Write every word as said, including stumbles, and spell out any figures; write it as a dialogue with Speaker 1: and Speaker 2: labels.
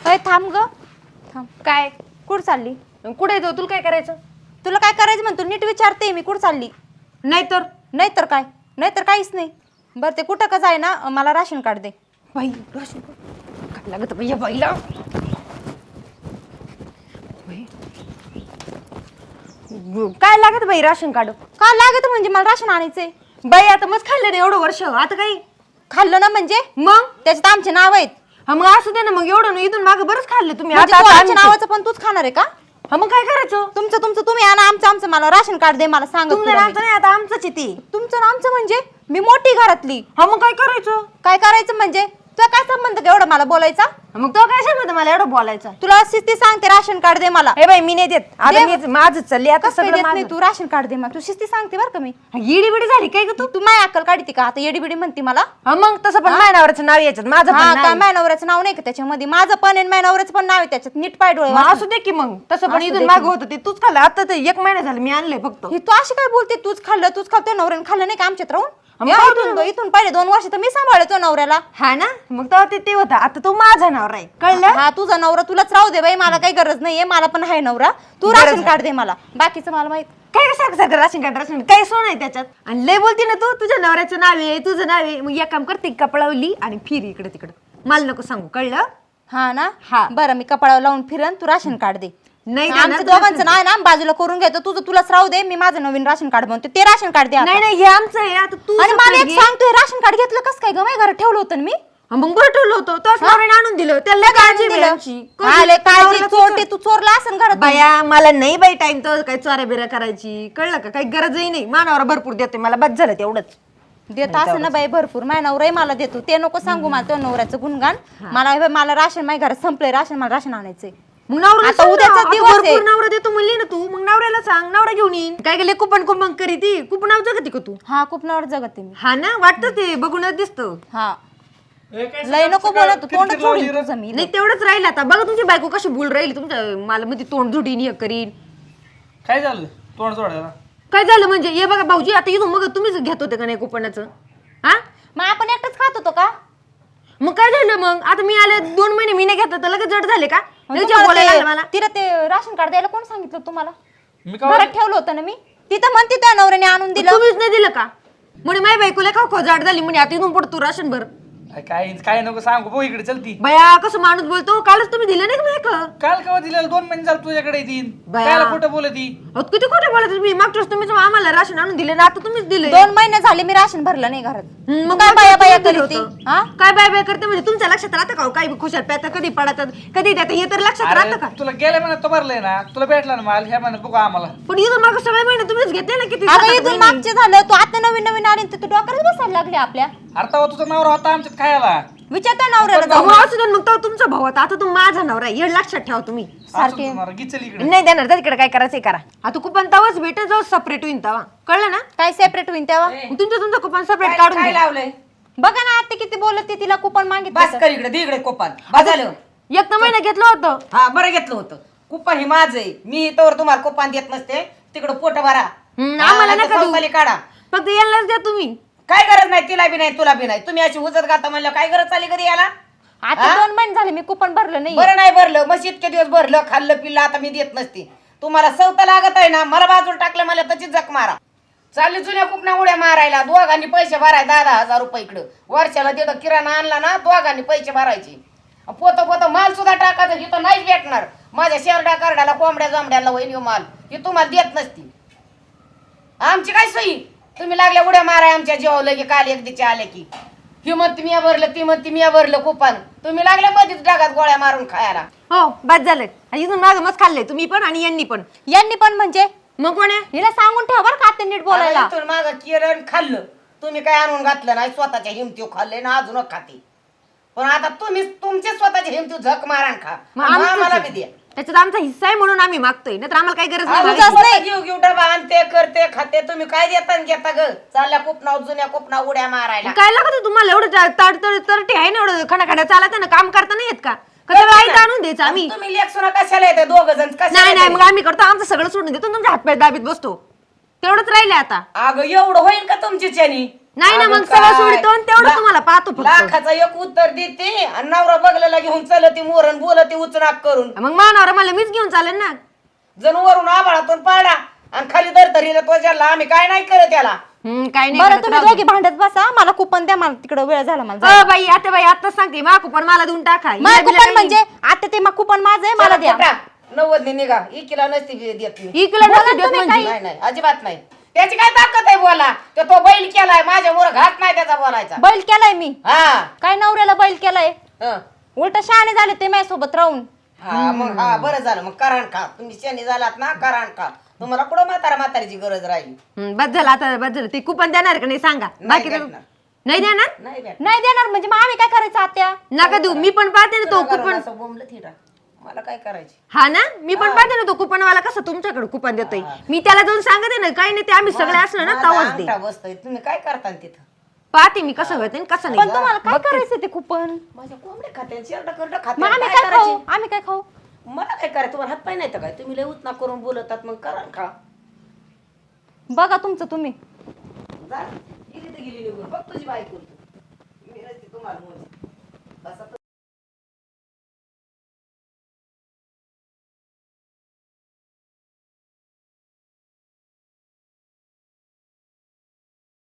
Speaker 1: अय थांब ग थांब.
Speaker 2: काय
Speaker 1: कुठं चालली?
Speaker 2: कुठे जाऊ तुला काय करायचं?
Speaker 1: तुला काय करायचं म्हणतो नीट विचारते मी. कुठं चालली?
Speaker 2: नाहीतर
Speaker 1: नाहीतर काय? नाहीतर काहीच नाही. बरं ते कुठं का जाय ना मला राशन कार्ड दे.
Speaker 2: बाई राशन काय लागत बाई या बाईला. बाई. काय लागत बाई राशन कार्ड?
Speaker 1: का लागत म्हणजे मला राशन आणायचंय.
Speaker 2: बाई आता मस्त खाल्लं ना एवढं वर्ष आता काही
Speaker 1: खाल्लं ना म्हणजे
Speaker 2: मग
Speaker 1: त्याच्यात आमचे नाव आहेत.
Speaker 2: हा मग असं दे ना मग एवढं ना इथून मागे बरंच खाल्लं तुम्ही.
Speaker 1: म्हणजे
Speaker 2: आता
Speaker 1: तू
Speaker 2: आता
Speaker 1: आमच्या
Speaker 2: आमचं-
Speaker 1: नावाचं पण तूच खाणार आहे का?
Speaker 2: हा मग काय करायचं?
Speaker 1: तुमचं तुमचं तुम्ही आणा आमचं आमचं मला राशन कार्ड दे मला सांग.
Speaker 2: तुमचं नामचं नाही आता आमचंच आहे ते.
Speaker 1: तुमचं ना आमचं म्हणजे मी मोठी घरातली.
Speaker 2: हा मग काय करायचं?
Speaker 1: काय करायचं म्हणजे तुला काय संबंध का एवढं मला बोलायचा?
Speaker 2: हा मग तो काय सांगत मला एवढं बोलायचं?
Speaker 1: तुला शिस्ती सांगते राशन कार्ड दे मला.
Speaker 2: हे बाई मी नाही देत आता
Speaker 1: दे.
Speaker 2: मी माझंच चालली आता
Speaker 1: कसं काय
Speaker 2: सगळं
Speaker 1: देत नाही
Speaker 2: माझं.
Speaker 1: तू राशन कार्ड दे मला. तू शिस्ती सांगते बरं का मी.
Speaker 2: येडी बिडी झाली काय ग तू?
Speaker 1: तू माय अक्कल काढते का आता? येडी बिडी म्हणते मला.
Speaker 2: हा मग तसं पण माझ्या नवऱ्याचं नाव याच्यात माझं पण
Speaker 1: हा
Speaker 2: नाव
Speaker 1: काय
Speaker 2: आहे.
Speaker 1: माय नवऱ्याचं नाव नाही का त्याच्यामध्ये? माझं पण आहे माय नवऱ्याचं पण नाव आहे त्याच्यात. नीट पाय डोळे
Speaker 2: मग
Speaker 1: वाचून.
Speaker 2: असू दे की मग तसं पण
Speaker 1: असू
Speaker 2: इथून
Speaker 1: दे
Speaker 2: मागं
Speaker 1: की.
Speaker 2: होतं ते तूच खाल्लं आता ते एक महिना झालं मी आणलंय फक्त.
Speaker 1: ही तू अशी काय बोलते? तूच खाल्लं तूच खाल्लं नवऱ्याने खाल्लं नाही का आमच्यात राहून?
Speaker 2: मग
Speaker 1: या
Speaker 2: काय
Speaker 1: इथून इथून पहिले दोन वर्ष तर मी सांभाळतो नवऱ्याला.
Speaker 2: हा ना मग तेव्हा ते ते होतं आता तू माझा नवरा आहे कळलं.
Speaker 1: हा तुझा नवरा तुलाच राहू दे बाई. मला काही गरज नाहीये. मला पण आहे नवरा. तू
Speaker 2: गरज
Speaker 1: राशन
Speaker 2: आहे.
Speaker 1: कार्ड दे मला. बाकीचं मला माहित.
Speaker 2: काय सारखं सारखं राशन कार्ड राशन काय सोन आहे त्याच्यात आणि लय बोलती ना तू तुझ्या नवऱ्याचं नाव आहे तुझं नाव आहे. मग एक काम करते कपडावली आणि फिर इकडे तिकडे मला नको सांगू कळलं.
Speaker 1: हा ना
Speaker 2: हा.
Speaker 1: बरं मी कपाळावर लावून फिरन तू राशन कार्ड दे.
Speaker 2: नाही
Speaker 1: आमचं
Speaker 2: देणार,
Speaker 1: दोघांचं नाही ना बाजूला करून घेतो. तुझं तुलाच राहू दे. मी माझं नवीन राशन कार्ड बनवते. ते राशन कार्ड दे आता.
Speaker 2: नाही नाही हे आमचं आहे आता तू
Speaker 1: आणि मला
Speaker 2: separate
Speaker 1: एक
Speaker 2: घे.
Speaker 1: सांगतोय राशन कार्ड घेतलं कसं काय ग? माझ्या घरात ठेवलं होतं ना मी.
Speaker 2: हा, मग बरं ठेवलं होतं तोच नवऱ्याने आणून दिलं त्याला लय काळजी आहे बाई आमची.
Speaker 1: आले काळजी
Speaker 2: नवऱ्याला
Speaker 1: चोरटे तू चोरला असेल घरात.
Speaker 2: बाया मला नाही बाई टाइम तर काही चोऱ्या बिऱ्या करायची कळलं का? काही गरजही नाही मानावर भरपूर देतोय मला बस झालं तेवढंच.
Speaker 1: देत असं ना बाई भरपूर. माझ्या नवराही मला देतो. ते नको सांगू मला त्या नवऱ्याचं गुणगान. मला हे बाई, मला राशन माझ्या घरात संपलंय राशन. मला राशन आणायचंय.
Speaker 2: मग नवऱ्याला
Speaker 1: आता
Speaker 2: सांग ना,
Speaker 1: उद्याचा
Speaker 2: आता
Speaker 1: दिवस आहे.
Speaker 2: भरपूर नवरा देतो म्हणली ना तू मग नवऱ्याला सांग नवरा घेऊन येईन. काय गेले कुपन कुपन करी ती कुपनाव जगती का तू?
Speaker 1: हा खूप नवर जगते मी.
Speaker 2: हा ना वाटतं ते बघूनच दिसतं.
Speaker 1: हा लय नको बोलत तोंड सोडीन तुझं मी.
Speaker 2: नाही तेवढंच राहिलं आता बघा तुमची बायको कशी बोल राहील तुमच्या मला मध्ये तोंड झुडीन हे करीन.
Speaker 3: काय झालं तोंड जोडायला?
Speaker 2: काय झालं म्हणजे हे बघा भाऊजी आता इथून मग तुम्हीच घेत होते का नाही कुपनाचं? हा
Speaker 1: मग आपण एकटंच खात होतो का?
Speaker 2: मग काय झालं मग आता मी आले दोन महिने मी नाही घेतलं तर लगेच जड झाले का? लगेच
Speaker 1: तुम्हाला
Speaker 2: बोलायला
Speaker 1: ते-
Speaker 2: लागलं मला.
Speaker 1: तिला ते राशन कार्ड द्यायला कोण सांगितलं तुम्हाला?
Speaker 3: मी का
Speaker 1: घरात ठेवलं होतं ना मी. तिथं म्हणते त्या नवऱ्याने आणून दिलं.
Speaker 2: तुम्हीच नाही दिलं का? म्हणे माझी बायकोला खाऊ खाऊ जाड झाली म्हणे आता इथून पुढे तू राशन भर.
Speaker 3: काय काय नको सांगू भाऊ इकडे चलती.
Speaker 2: बया कसं माणूस बोलतो कालच तुम्ही दिलं नाही का माझ्या?
Speaker 3: काल केव्हा दिलेलं दोन महिने झालं तुझ्याकडे येतील.
Speaker 2: बया.
Speaker 3: कायला खोटं बोलती?
Speaker 2: किती खोटे बोलत तुम्ही मागच्या वेळेस तुम्हीच आम्हाला राशन आणून दिले ना आता तुम्हीच दिले.
Speaker 1: दोन महिने झाले मी राशन भरलं नाही घरात.
Speaker 2: हम्म,
Speaker 1: मग
Speaker 2: मग
Speaker 1: काय
Speaker 2: मागच्या
Speaker 1: बाया
Speaker 2: वेळेस
Speaker 1: बाया
Speaker 2: तुम्हीच
Speaker 1: करते?
Speaker 2: दिलं होतं.
Speaker 1: हा
Speaker 2: काय बाय बाय करते म्हणजे तुमच्या लक्षात राहतं का हो? काही खुशाल प्यात कधी पडतात कधी देतात हे तर लक्षात राहतं का?
Speaker 3: अरे तुला गेल्या महिन्यात तो भरलाय ना तुला भेटला ना माल ह्या महिन्यात बघू आम्हाला.
Speaker 2: पण इथून मागं सगळे महिने तुम्हीच घेतले ना किती
Speaker 1: अगं
Speaker 2: सात आठ
Speaker 1: इथून
Speaker 2: महिने.
Speaker 1: मागचे झालं. तू आता नवीन नवीन आली तर तू डोक्याला बसायला लागले आपल्या.
Speaker 3: अरे तेव्हा तुझा नवरा होता आमच्यात खायला.
Speaker 1: विचारता नवऱ्याला
Speaker 2: अहो,
Speaker 1: जाऊन.
Speaker 2: असू दे मग तो तुमचा भाऊ होता आता तू माझा नवरा आहे हे लक्षात ठेवा तुम्ही.
Speaker 1: सारखे
Speaker 3: गिचल इकडे.
Speaker 2: नाही देणार जा तिकडे काय करायचं करा. आता कुपन तवाच भेटेल जाऊ सेपरेट होईन तवा कळलं ना?
Speaker 1: काय सेपरेट होईन तेव्हा?
Speaker 2: मग तुमचं तुमचं कुपन सेपरेट काढून
Speaker 4: काय
Speaker 2: घ्या.
Speaker 4: लावलंय?
Speaker 1: बघा ना आता किती बोलत तिला कुपन
Speaker 4: बस
Speaker 1: मागितलं.
Speaker 4: कर इकडे दे इकडे कोपान बस झालं.
Speaker 2: एक तर महिना घेतलं होतं.
Speaker 4: हा बरं घेतलं होतं. कुपान हे माझं आहे. मी तर तुम्हाला कुपान देत नसते. तिकडं पोट भरा.
Speaker 2: हम्म,
Speaker 4: हा,
Speaker 2: आम्हाला
Speaker 4: नाहीतर
Speaker 2: नका देऊ.
Speaker 4: चौकाली काढा.
Speaker 2: फक्त यांनाच द्या तुम्ही.
Speaker 4: काय गरज नाही तिला बी नाही तुला बी नाही. तुम्ही अशी उजत घाता म्हणलं काय गरज चालली कधी याला?
Speaker 1: आता दोन महिने झाले मी कुपन भरलं नाही.
Speaker 4: बरं नाही भरलं मग इतके दिवस भरलं खाल्लं पिल्लं आता मी देत नसते. तुम्हाला सवता लागत आहे ना मला बाजूला टाकलं मला तशीच जक मारा. चालली जुन्या कुपना उड्या मारायला दोघांनी पैसे भराय दहा दहा हजार रुपये इकडं वर्षाला तिथं किराणा आणला ना दोघांनी पैसे भरायचे. पोत पोत माल सुद्धा टाकायचं इथं नाहीच भेटणार. माझ्या शेरडा कार्डाला कोंबड्या जांबड्याला वहिनी माल ही तुम्हाला देत नसती. आमची काय सोयी तुम्ही लागल्या उड्या माराय आमच्या जेवलं की काल एक दिचे आले की ही म्हणती मी भरलं ती म्हणती मी भरलं कुपन. तुम्ही लागल्या मध्येच डागात गोळ्या मारून खायला.
Speaker 2: हो बस झालं. आणि इथून मागं मस्त खाल्लंय तुम्ही पण आणि यांनी पण.
Speaker 1: यांनी पण म्हणजे
Speaker 2: मग कोण आहे?
Speaker 1: हिला सांगून ठेव बरं का आता नीट बोलायला.
Speaker 4: इथून मागं केलं खाल्लं तुम्ही काय आणून घातलं नाही स्वतःच्या हिमतीव खाल्ले ना अजून खाते. पण आता तुम्ही तुमचे स्वतःच्या हिमतीव झक मारा खा
Speaker 2: मग आमचंच
Speaker 4: आम्हाला
Speaker 2: आहे.
Speaker 4: बी द्या.
Speaker 2: त्याच्यात आमचा हिस्सा आहे म्हणून आम्ही मागतोय नाहीतर आम्हाला काही गरज
Speaker 4: अहो,
Speaker 2: नाही.
Speaker 1: तुझं
Speaker 4: स्वतः
Speaker 1: नाही.
Speaker 4: घेऊ घेऊ डबा आणते करते खाते तुम्ही काय देता न घेता ग चालल्या कुपना जुन्या कुपना उड्या मारायला.
Speaker 2: काय लागत तुम्हाला एवढं तड तड तरटे आहे ना एवढं खणाखण्या चालत ना काम करता नाही येत का? कसं आई आणून द्यायचं आम्ही?
Speaker 4: तुम्ही लेख सुना कशाला येते दोघ जण
Speaker 2: नाही नाही मग आम्ही करतो आमचं सगळं सोडून देतो तुमच्या हातपाय दाबीत बसतो तेवढंच राहिले आता.
Speaker 4: अगं एवढं होईल का तुमची चॅनी?
Speaker 2: नाही ना
Speaker 4: अगं
Speaker 2: मग सगळं
Speaker 4: काय?
Speaker 2: सोडतो आणि तेवढं
Speaker 4: ला-
Speaker 2: तुम्हाला पाच पाहतो फक्त
Speaker 4: लाखाचा एक उत्तर देते आणि नवरा बघलेला घेऊन चलती मोरण बोलती उचनाक करून
Speaker 2: मग मानावर मला मीच घेऊन चालेल ना
Speaker 4: जण वरून आभाळातून पाडा आणि खाली दरतरीला तो ज्याला आम्ही काय नाही करत त्याला
Speaker 2: हम्म, काय नाही
Speaker 1: बरं
Speaker 2: करत,
Speaker 1: तुम्ही
Speaker 2: राहू दे.
Speaker 1: दोघी भांडत बसा मला कुपन द्या मला तिकडे वेळ झाला मला
Speaker 2: अ, बाई आता बाई आता सांगते मा कुपन मला देऊन टाका
Speaker 1: माझं
Speaker 2: हिला बिला
Speaker 1: कुपन
Speaker 2: काही-
Speaker 1: म्हणजे आता ते मग कुपन माझं आहे मला द्या
Speaker 4: नव्वद निघा इकिला नसती देत मी
Speaker 2: इकडे नसते देत
Speaker 1: तुम्ही
Speaker 2: म्हणजे.
Speaker 4: नाही नाही अजिबात नाही त्याची काय ताकद आहे बोला तो तो बैल केलाय माझ्या मोर घात नाही त्याचा बोलायचा
Speaker 1: बैल केलाय मी
Speaker 4: हा
Speaker 1: काय नवऱ्याला बैल केलाय
Speaker 4: हं.
Speaker 1: उलट शहाणे झाले ते माझ्यासोबत राहून
Speaker 4: हा मग हा बरं झालं मग कराण खा तुम्ही शनी झालात ना कराण खा तुम्हाला कुठं म्हातारा म्हातारीची गरज राहिली
Speaker 2: हम्म, बस झालं आता बस झालं ते कुपन देणार का नाही सांगा
Speaker 4: नाही
Speaker 2: बाकी
Speaker 4: भेटणार.
Speaker 2: नाही देणार
Speaker 4: नाही भेट
Speaker 1: नाही देणार म्हणजे मग आम्ही काय करायचं आत्या
Speaker 2: नका देऊ मी पण पाहते ना तो कुपन
Speaker 4: बोंबलं थिरा मला काय करायची
Speaker 2: हा ना मी पण पाहते ना तो कुपनवाला कसं तुमच्याकडे कुपन देतोय मी त्याला जाऊन सांगते ना काही नाही ते आम्ही सगळे असलो ना
Speaker 4: माझा
Speaker 2: तवाच दे
Speaker 4: अंगठा बसतोय तुम्ही काय करता तिथं
Speaker 2: पाहते मी कसं होते कसं
Speaker 1: पण
Speaker 2: नाही
Speaker 1: तुम्हाला काय करायचं ते कुपन
Speaker 4: माझ्या कोंबड्या खात्या शेरडा करडा
Speaker 1: मग
Speaker 4: खात्या
Speaker 1: आम्ही
Speaker 4: काय
Speaker 1: काय खाऊ
Speaker 4: करायची
Speaker 1: आम्ही काय खाऊ
Speaker 4: मला काय करायचं तुम्हाला हात पाय नाही तर काय तुम्ही लय उतना करून बोलतात मग कराण खा
Speaker 1: बघा तुमचं तुम्ही
Speaker 4: जा गेली तर गेली निघून बघ तुझी बायको मी नसते तुम्हाला बोलते